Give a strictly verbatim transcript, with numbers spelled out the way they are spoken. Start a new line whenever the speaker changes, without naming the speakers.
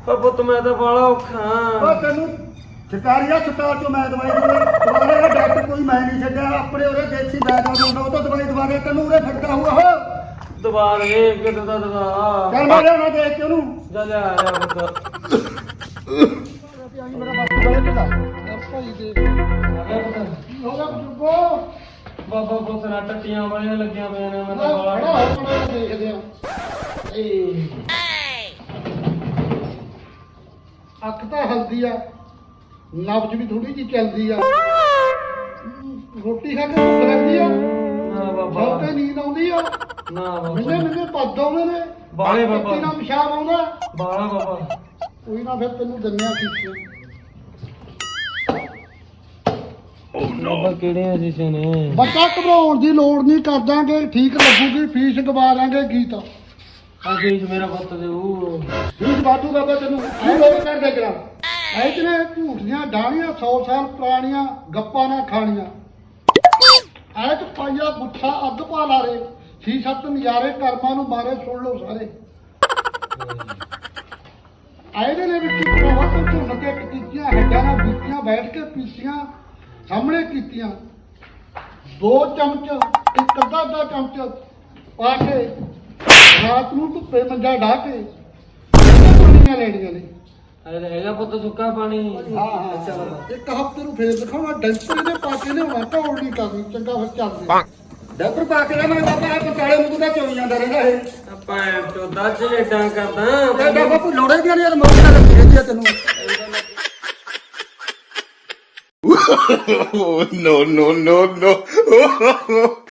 ਪੁੱਤ ਮੈਂ ਤਾਂ ਬਾਲਾ ਔਖਾ
ਉਹ ਤੈਨੂੰ ਸਰਕਾਰੀ ਹਸਪਤਾਲ ਚੋਂ ਮੈਂ ਦਵਾਈ ਦਵਾਈ ਦੁਬਾਰੇ ਦਾ ਡਾਕਟਰ ਕੋਈ ਮੈਂ ਨਹੀਂ ਛੱਡਿਆ ਆਪਣੇ ਉਹਦੇ ਦੇਸੀ ਬੈਦ ਹੁੰਦਾ ਉਹ ਤੋਂ ਦਵਾਈ ਦੁਬਾਰੇ ਤੈਨੂੰ ਉਰੇ ਫਿਰਦਾ ਹੋਊਗਾ ਉਹ
ਦਵਾ ਦੇ ਕਿਤੇ ਦਾ ਦਵਾ
ਚੱਲ ਮੈਂ ਲਿਆਉਣਾ ਦੇਖ ਕੇ ਉਹਨੂੰ
ਜਾ ਲਿਆ ਆ ਪੁੱਤ
ਮੇਰਾ ਬਾਪੂ ਗਲੇ ਢਿੱਲਾ ਭਾਈ ਦੇ ਹੋ ਗਿਆ ਬਜ਼ੁਰਗੋ
ਬਾਬਾ ਪੁੱਤ ਨਾ ਟੱਟੀਆਂ ਵਾਲੀਆਂ ਲੱਗੀਆਂ ਪਈਆਂ ਨੇ ਮੈਂ ਤਾਂ
ਖੜਾ
ਬਾਲਾ
ਹੋ ਖੜਾ ਹੋ ਦੇਖਦੇ ਆ ਏ ਅੱਖ ਤਾਂ ਹਲਦੀ ਆ ਨਬਜ ਵੀ ਥੋੜੀ ਜਿਹੀ ਚੱਲਦੀ ਆ ਰੋਟੀ ਖਾ ਕੇ ਭੁੱਖ ਲੱਗਦੀ ਆ
ਨਾ ਬਾਬਾ
ਸੌਕੇ ਨੀਂਦ ਆਉਂਦੀ ਆ
ਨਾ
ਮਿੰਨੇ
ਬਾਬਾ
ਮਿੰਨੇ ਪੱਦ ਆਉਂਦੇ ਨੇ
ਬਾਲੇ ਬਾਬਾ।
ਨਾ ਪਿਸ਼ਾਬ ਆਉਂਦਾ
ਬਾਲਾ ਬਾਬਾ
ਕੋਈ ਨਾ ਫਿਰ ਤੈਨੂੰ ਦਿੰਨੇ ਆ ਸ਼ੀਸ਼ੇ
ਬਾਬਾ ਕਿਹੜੀਆਂ ਸ਼ੀਸ਼ੇ ਨੇ
ਬੱਚਾ ਘਬਰਾਉਣ ਦੀ ਲੋੜ ਨਹੀਂ ਕਰ ਦਾਂਗੇ ਠੀਕ ਲੱਗੂਗੀ ਫੀਸ ਗਵਾ ਲਾਂਗੇ ਗੀਤ
ਆ ਫੀਸ ਮੇਰਾ ਪੁੱਤ ਦੇ ਉਹ
ਫੀਸ ਵਾਧੂ ਬਾਬਾ ਤੈਨੂੰ ਐ ਲੋਕ ਕਰ ਦੇ ਕਰਾ ਐ ਤੇਰੇ ਝੂਠੀਆਂ ਡਾਣੀਆਂ ਸੌ ਸਾਲ ਪੁਰਾਣੀਆਂ ਗੱਪਾਂ ਨਾ ਖਾਣੀਆਂ ਐ ਚ ਪਾਈਆ ਗੁੱਠਾ ਅੱਧ ਪਾ ਲਾਰੇ ਛੀ ਸੱਤ ਨਜ਼ਾਰੇ ਕਰਮਾਂ ਨੂੰ ਮਾਰੇ ਸੁਣ ਲਓ ਸਾਰੇ ਆਏ ਦੇ ਨੇ ਵਿੱਚ ਭਰਾਵਾ ਤੋਂ ਝੁੰਨ ਕੇ ਕੀਤੀਆਂ ਹੱਡਾਂ ਨਾਲ ਬੀਤੀਆਂ ਬੈਠ ਕੇ ਪੀਸੀਆਂ ਸਾਹਮਣੇ ਕੀਤੀਆਂ ਦੋ ਚਮਚ ਇੱਕ ਅੱਧਾ ਅੱਧਾ ਚਮਚ ਪਾ ਕੇ ਰਾਤ ਨੂੰ ਧੁੱਪੇ ਮੰਜਾ ਢਾ ਕੇ ਪਾਣੀਆਂ ਲੈਣੀਆਂ ਨੇ
ਅਰੇ ਹੈਗਾ ਪੁੱਤ ਸੁੱਕਾ ਪਾਣੀ
ਹਾਂ ਹਾਂ ਚਲੋ ਇੱਕ ਹਫ਼ਤੇ ਨੂੰ ਫੇਰ ਦਿਖਾਉਣਾ ਡੈਂਪਰ ਦੇ ਪਾ ਕੇ ਲਿਆਉਣਾ ਢੋਲ ਨਹੀਂ ਕਰਨੀ ਚੰਗਾ ਫਿਰ ਚੱਲਦੇ ਡੈਂਪਰ ਪਾ ਕੇ ਲਿਆਉਣਾ ਬਾਬਾ ਇਹ ਪਕਾਲੇ ਨੂੰ ਤਾਂ ਚੋਈ ਜਾਂਦਾ ਰਹਿੰਦਾ ਇਹ
ਆਪਾਂ ਚੋਦਾ ਚਲੇਡਾਂ ਕਰਦਾ
ਇਹ ਬਾਬਾ ਲੋੜੇ ਦੀਆਂ ਨੇ ਮੌਤ ਨਾਲ ਲੱਗੀ ਰਹਿੰਦੀ ਆ ਤੈਨੂੰ
no, no, no, no.